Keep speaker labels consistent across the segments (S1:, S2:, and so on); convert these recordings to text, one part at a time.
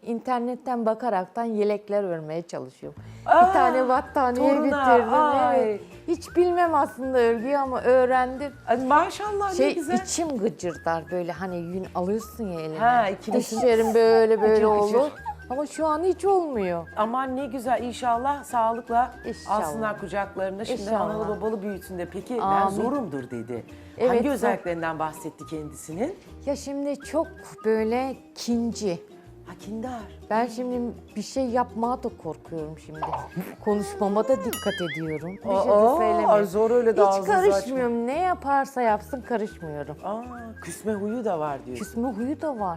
S1: internetten bakaraktan yelekler örmeye çalışıyorum.
S2: Aa,
S1: bir tane battaniye
S2: toruna,
S1: bitirdim.
S2: ay.
S1: Evet. Hiç bilmem aslında örgüyü ama öğrendim.
S2: Ay, maşallah ne güzel.
S1: İçim gıcırdar böyle hani yün alıyorsun ya eline.
S2: Ha, ikiniz-
S1: Dişlerim böyle
S2: Gıcır gıcır.
S1: olur. Ama şu an hiç olmuyor.
S2: Aman ne güzel, inşallah sağlıkla
S1: İnşallah.
S2: alsınlar kucaklarında. Şimdi
S1: İnşallah.
S2: analı babalı büyütsün de. Peki ben
S1: Amin.
S2: zorumdur dedi.
S1: Evet,
S2: Hangi
S1: zor.
S2: özelliklerinden bahsetti kendisinin?
S1: Ya şimdi çok böyle kinci.
S2: Ha, kindar.
S1: Ben şimdi bir şey yapmaya da korkuyorum şimdi. Konuşmama da dikkat ediyorum. Bir şey de
S2: Aa,
S1: söylemiyorum.
S2: ay zor öyle de
S1: Hiç
S2: ağzınızı
S1: karışmıyorum. Ne yaparsa yapsın karışmıyorum.
S2: Aa, küsme huyu da var diyor.
S1: Küsme huyu da var.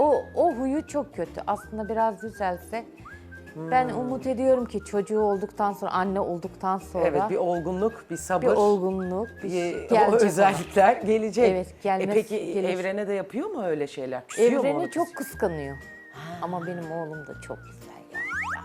S1: O huyu çok kötü. Aslında biraz düzelse. Ben umut ediyorum ki çocuğu olduktan sonra, anne olduktan sonra
S2: Evet, bir olgunluk, bir sabır.
S1: bir olgunluk, bir
S2: o
S1: gelecek ona.
S2: özellikler gelecek.
S1: Evet, gelmez,
S2: Peki
S1: gelir.
S2: evrene de yapıyor mu öyle şeyler? Küsüyor mu
S1: Evreni
S2: onu
S1: çok kıskanıyor. Ama benim oğlum da çok güzel ya.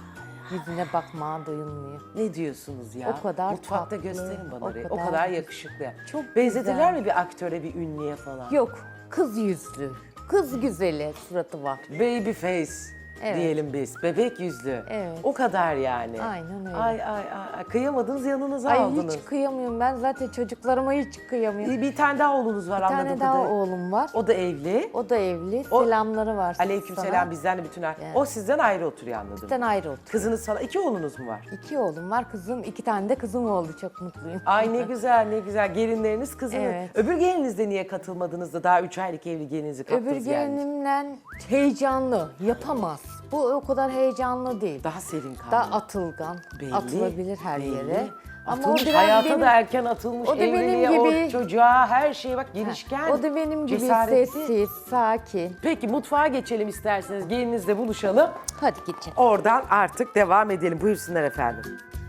S1: Yüzüne bakmaya doyulmuyor.
S2: Ne diyorsunuz ya?
S1: O kadar
S2: Mutfakta
S1: tatlı,
S2: gösterin bana.
S1: o
S2: O
S1: kadar
S2: kadar
S1: güzel.
S2: yakışıklı.
S1: Çok
S2: Benzetirler
S1: güzel.
S2: mi bir aktöre, bir ünlüye falan?
S1: Yok, kız yüzlü, kız güzeli suratı var.
S2: Baby face
S1: Evet.
S2: diyelim biz. Bebek yüzlü.
S1: Evet.
S2: O kadar yani.
S1: Aynen öyle.
S2: Ay. Kıyamadınız, yanınıza
S1: Ay
S2: aldınız.
S1: hiç kıyamıyorum ben zaten çocuklarıma hiç kıyamıyorum.
S2: Bir tane daha oğlunuz var
S1: Bir
S2: anladığım
S1: tane daha
S2: kadarıyla.
S1: oğlum var.
S2: O da evli.
S1: O da evli.
S2: O-
S1: Selamları var
S2: Aleykümselam
S1: sana.
S2: bizden de bütün
S1: Yani.
S2: O sizden ayrı oturuyor anladım.
S1: Bizden ayrı oturuyor.
S2: Kızınız sana, 2 oğlunuz mu var?
S1: 2 oğlum var, kızım 2 tane de kızım oldu. Çok mutluyum.
S2: Ay ne güzel ne güzel. Gelinleriniz kızınız.
S1: Evet.
S2: Öbür gelinizde niye katılmadınız da daha 3 aylık evli gelinizi
S1: Öbür
S2: kaptınız yani?
S1: gelinimle heyecanlı, yapamaz. Bu o kadar heyecanlı değil.
S2: Daha serin kaldı.
S1: Daha atılgan,
S2: Belli,
S1: atılabilir her
S2: belli.
S1: yere. Ama
S2: Atılmış,
S1: o biraz
S2: hayata
S1: benim,
S2: da erken atılmış,
S1: o da benim
S2: evliliğe,
S1: gibi-
S2: o çocuğa, her şeye bak girişken.
S1: o da benim gibi
S2: cesaretli.
S1: sessiz, sakin.
S2: Peki mutfağa geçelim isterseniz. Gelininizle buluşalım.
S1: Hadi geçelim.
S2: Oradan artık devam edelim. Buyursunlar efendim.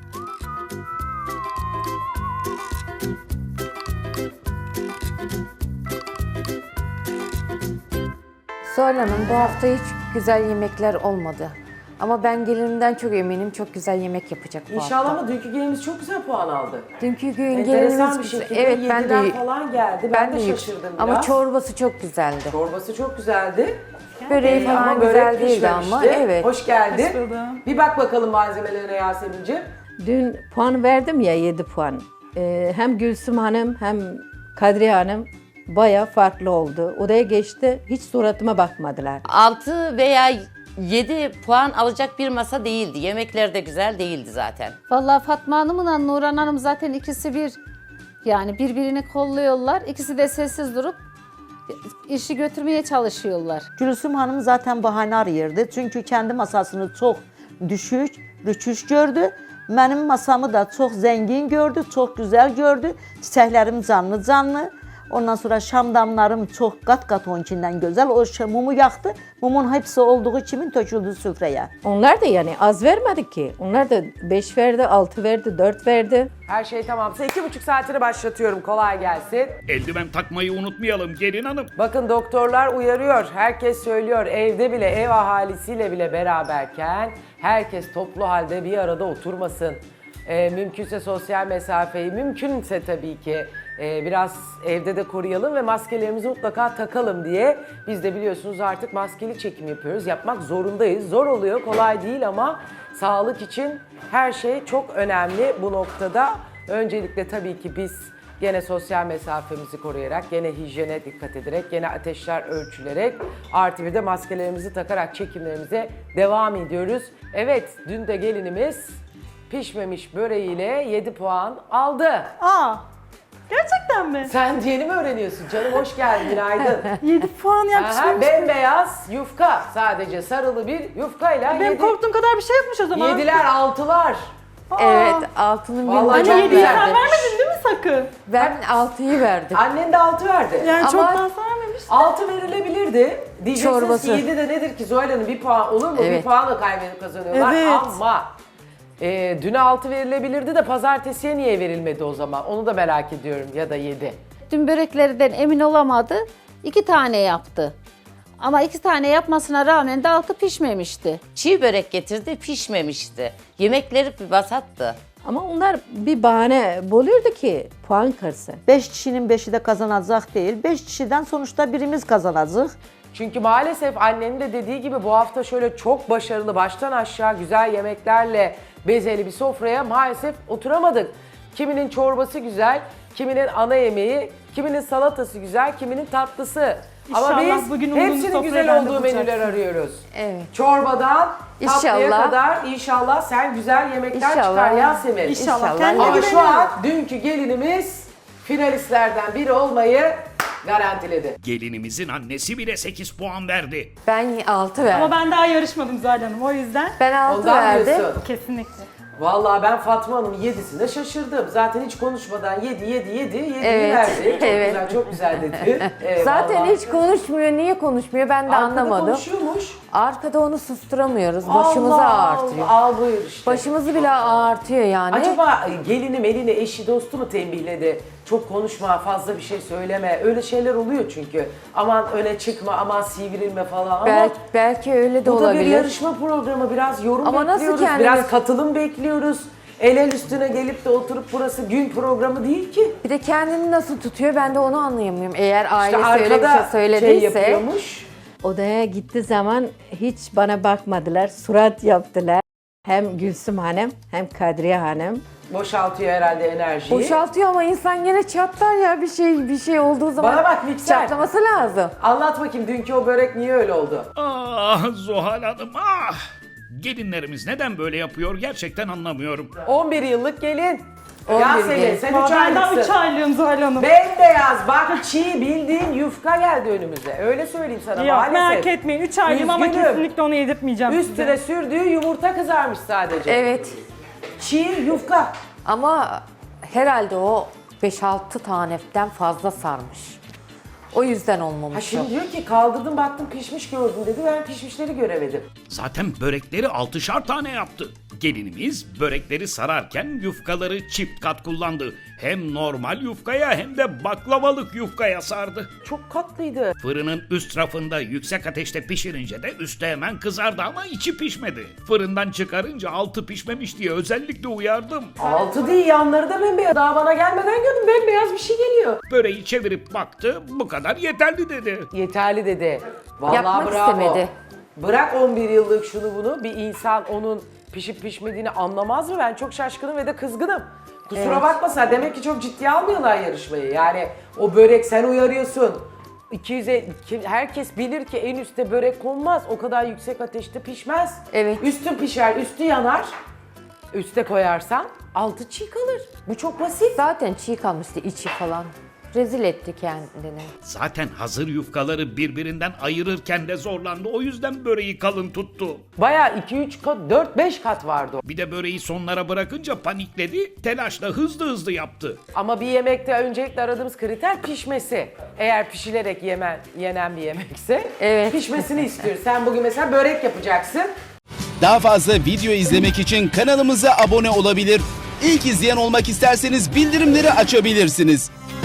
S1: Zuhal Hanım bu hafta hiç güzel yemekler olmadı. Ama ben gelinimden çok eminim çok güzel yemek yapacak bu
S2: İnşallah
S1: hafta.
S2: ama dünkü gelinimiz çok güzel puan aldı.
S1: Dünkü gün
S2: Enteresan
S1: gelinimiz
S2: bir
S1: güzel.
S2: şekilde
S1: Evet ben
S2: yediler
S1: de
S2: falan geldi. Ben de şaşırdım biraz.
S1: Ama çorbası çok güzeldi.
S2: Çorbası çok güzeldi.
S1: Böreği falan
S2: Ama
S1: güzel
S2: börek
S1: değildi ama
S2: pişmemişti.
S1: evet.
S2: Hoş geldin.
S3: Hoş buldum.
S2: Bir bak bakalım malzemelerine Yasemin'ciğim.
S3: Dün puan verdim ya 7 puan. Hem Gülsüm Hanım hem Kadriye Hanım baya farklı oldu. Odaya geçti, hiç suratıma bakmadılar.
S4: 6 veya 7 puan alacak bir masa değildi. Yemekler de güzel değildi zaten.
S5: Vallahi Fatma Hanım'la Nurhan Hanım zaten ikisi bir. Yani birbirini kolluyorlar. İkisi de sessiz durup işi götürmeye çalışıyorlar.
S6: Gülsüm Hanım zaten bahane arayırdı. Çünkü kendi masasını çok düşük, rüçüş gördü. Benim masamı da çok zengin gördü, çok güzel gördü. Çiçeklerim canlı canlı. Ondan sonra şamdamlarım çok kat kat onunkinden güzel. O mumu yaktı. Mumun hepsi olduğu kimin töküldü süfreye.
S3: Onlar da yani az vermedi ki. Onlar da 5 verdi, 6 verdi, 4 verdi.
S2: Her şey tamamsa 2,5 saatini başlatıyorum. Kolay gelsin.
S7: Eldiven takmayı unutmayalım gelin hanım.
S2: Bakın doktorlar uyarıyor. Herkes söylüyor. Evde bile, ev ahalisiyle bile beraberken herkes toplu halde bir arada oturmasın. Mümkünse sosyal mesafeyi, mümkünse tabii ki biraz evde de koruyalım ve maskelerimizi mutlaka takalım diye. Biz de biliyorsunuz artık maskeli çekim yapıyoruz. Yapmak zorundayız. Zor oluyor, kolay değil ama sağlık için her şey çok önemli bu noktada. Öncelikle tabii ki biz gene sosyal mesafemizi koruyarak, gene hijyene dikkat ederek, gene ateşler ölçülerek, artı bir de maskelerimizi takarak çekimlerimize devam ediyoruz. Evet, dün de gelinimiz pişmemiş böreğiyle 7 puan aldı.
S8: Aa, gerçekten mi?
S2: Sen yeni mi öğreniyorsun canım? Hoş geldin, günaydın.
S8: 7 puan
S2: Aha,
S8: yapmışım.
S2: bembeyaz yufka, sadece sarılı bir yufkayla
S8: Benim korktuğum kadar bir şey yokmuş o zaman.
S2: yediler, altılar.
S1: Evet altının
S2: Vallahi
S1: bir
S2: çok
S8: Anne 7'yi
S2: güzel.
S8: sen vermedin değil mi sakın?
S1: Ben 6'yı verdim.
S2: Annen de 6 verdi.
S8: Yani
S1: Ama-
S8: çoktan sonra vermemiş.
S2: 6 verilebilirdi. Diyeceksiniz
S1: Çorbası.
S2: ki 7 de nedir ki Zuhal Hanım, bir puan olur mu? Bir
S1: Evet.
S2: puanla kaybedip kazanıyorlar
S8: Evet.
S2: ama düne 6 verilebilirdi de pazartesiye niye verilmedi o zaman? Onu da merak ediyorum, ya da 7.
S5: Dün böreklerden emin olamadı. 2 tane yaptı. Ama 2 tane yapmasına rağmen de altı pişmemişti.
S4: Çiğ börek getirdi, pişmemişti. Yemekleri bir basattı.
S3: Ama onlar bir bahane buluyordu ki puan kırsın.
S6: 5 kişinin 5'i de kazanacak değil. 5 kişiden sonuçta birimiz kazanacak.
S2: Çünkü maalesef annenin de dediği gibi bu hafta şöyle çok başarılı, baştan aşağı güzel yemeklerle bezeli bir sofraya maalesef oturamadık. Kiminin çorbası güzel, kiminin ana yemeği, kiminin salatası güzel, kiminin tatlısı. Ama
S8: İnşallah
S2: biz
S8: bugün umduğumuz
S2: hepsinin
S8: sofrayı
S2: güzel
S8: ben de
S2: olduğu menüler
S8: bulacaksın.
S2: arıyoruz.
S1: Evet.
S2: Çorbadan tatlıya
S1: İnşallah.
S2: kadar inşallah sen güzel yemekler
S1: İnşallah.
S2: çıkar Yasemin.
S8: İnşallah.
S1: İnşallah.
S8: Kendine
S2: Ama şu
S8: güveniyorum.
S2: an dünkü gelinimiz finalistlerden biri olmayı garantiledi.
S7: Gelinimizin annesi bile 8 puan verdi.
S1: Ben 6 verdim.
S8: Ama ben daha yarışmadım Zuhal Hanım o yüzden.
S1: Ben 6
S2: Ondan
S1: verdim.
S2: diyorsun.
S8: Kesinlikle.
S2: Vallahi ben Fatma Hanım'ın 7'sine şaşırdım. Zaten hiç konuşmadan 7'yi
S1: Evet,
S2: verdi. Çok
S1: evet.
S2: güzel, çok güzel dedi.
S1: Zaten
S2: Vallahi.
S1: hiç konuşmuyor. Niye konuşmuyor ben de
S2: Arkada
S1: anlamadım.
S2: konuşuyormuş.
S1: Arkada onu susturamıyoruz. Başımızı
S2: Allah
S1: ağrıtıyor.
S2: Allah, al buyur işte.
S1: Başımızı bile ağrıtıyor yani.
S2: Acaba gelini melini eşi dostu mu tembihledi? Çok konuşma, fazla bir şey söyleme. Öyle şeyler oluyor çünkü. Aman öne çıkma, aman sivrilme falan. Ama
S1: Belki öyle de
S2: bu da
S1: olabilir.
S2: bir yarışma programı. Biraz yorum
S1: Ama nasıl
S2: bekliyoruz,
S1: kendimiz-
S2: biraz katılım bekliyoruz. El üstüne gelip de oturup burası gün programı değil ki.
S1: Bir de kendini nasıl tutuyor ben de onu anlayamıyorum. Eğer
S2: İşte
S1: ailesi öyle bir şey
S2: arkada
S1: söylediyse.
S2: yapıyormuş.
S3: Odaya gitti zaman hiç bana bakmadılar. Surat yaptılar. Hem Gülsüm Hanım hem Kadriye Hanım.
S2: Boşaltıyor herhalde enerjiyi.
S1: Boşaltıyor ama insan gene çatlar ya bir şey olduğu zaman.
S2: Bana bak mikser.
S1: Çatlaması lazım.
S2: Anlat bakayım dünkü o börek niye öyle oldu?
S7: Ah Zuhal Hanım ah! Gelinlerimiz neden böyle yapıyor gerçekten anlamıyorum.
S2: 11 yıllık gelin.
S1: 11
S2: Yasemin
S1: gelin.
S2: sen 3
S8: Ben daha 3
S2: aylıksın.
S8: aylığım Zuhal Hanım.
S2: Bembeyaz bak çiğ bildiğin yufka geldi önümüze. Öyle söyleyeyim sana
S8: Yok
S2: maalesef.
S8: merak etmeyin 3 aylığım ama
S2: Üzgünüm.
S8: kesinlikle onu yedirtmeyeceğim
S2: Üstüne
S8: size.
S2: sürdüğü yumurta kızarmış sadece.
S1: Evet.
S2: Çiğ yufka.
S1: Ama herhalde o 5-6 taneden fazla sarmış. O yüzden olmamış.
S2: Ha şimdi diyor ki kaldırdım baktım pişmiş gördüm dedi. Ben pişmişleri göremedim.
S7: Zaten börekleri 6'şar tane yaptı. Gelinimiz börekleri sararken yufkaları çift kat kullandı. Hem normal yufkaya hem de baklavalık yufkaya sardı.
S2: Çok katlıydı.
S7: Fırının üst rafında yüksek ateşte pişirince de üstü hemen kızardı ama içi pişmedi. Fırından çıkarınca altı pişmemiş diye özellikle uyardım.
S2: Altı değil yanları da bembeyaz. Daha bana gelmeden gördüm bembeyaz bir şey geliyor.
S7: Böreği çevirip baktı, bu kadar yeterli dedi.
S2: Yeterli dedi. Vallahi
S1: Yapmak
S2: bravo.
S1: istemedi.
S2: Bırak 11 yıllık şunu bunu bir insan onun pişip pişmediğini anlamaz mı? Ben çok şaşkınım ve de kızgınım. Kusura bakma sen demek ki çok ciddiye almıyorlar yarışmayı. Yani o börek sen uyarıyorsun. 200'e herkes bilir ki en üstte börek konmaz. O kadar yüksek ateşte pişmez.
S1: Evet.
S2: Üstü pişer, üstü yanar. Üste koyarsan altı çiğ kalır. Bu çok basit.
S1: Zaten çiğ kalmıştı içi falan. Rezil etti kendini.
S7: Zaten hazır yufkaları birbirinden ayırırken de zorlandı. O yüzden böreği kalın tuttu.
S2: Bayağı 2-3 kat, 4-5 kat vardı o.
S7: Bir de böreği sonlara bırakınca panikledi. Telaşla hızlı yaptı.
S2: Ama bir yemekte öncelikle aradığımız kriter pişmesi. Eğer pişilerek yenen bir yemekse
S1: Evet.
S2: pişmesini istiyoruz. Sen bugün mesela börek yapacaksın.
S9: Daha fazla video izlemek için kanalımıza abone olabilir. İlk izleyen olmak isterseniz bildirimleri açabilirsiniz.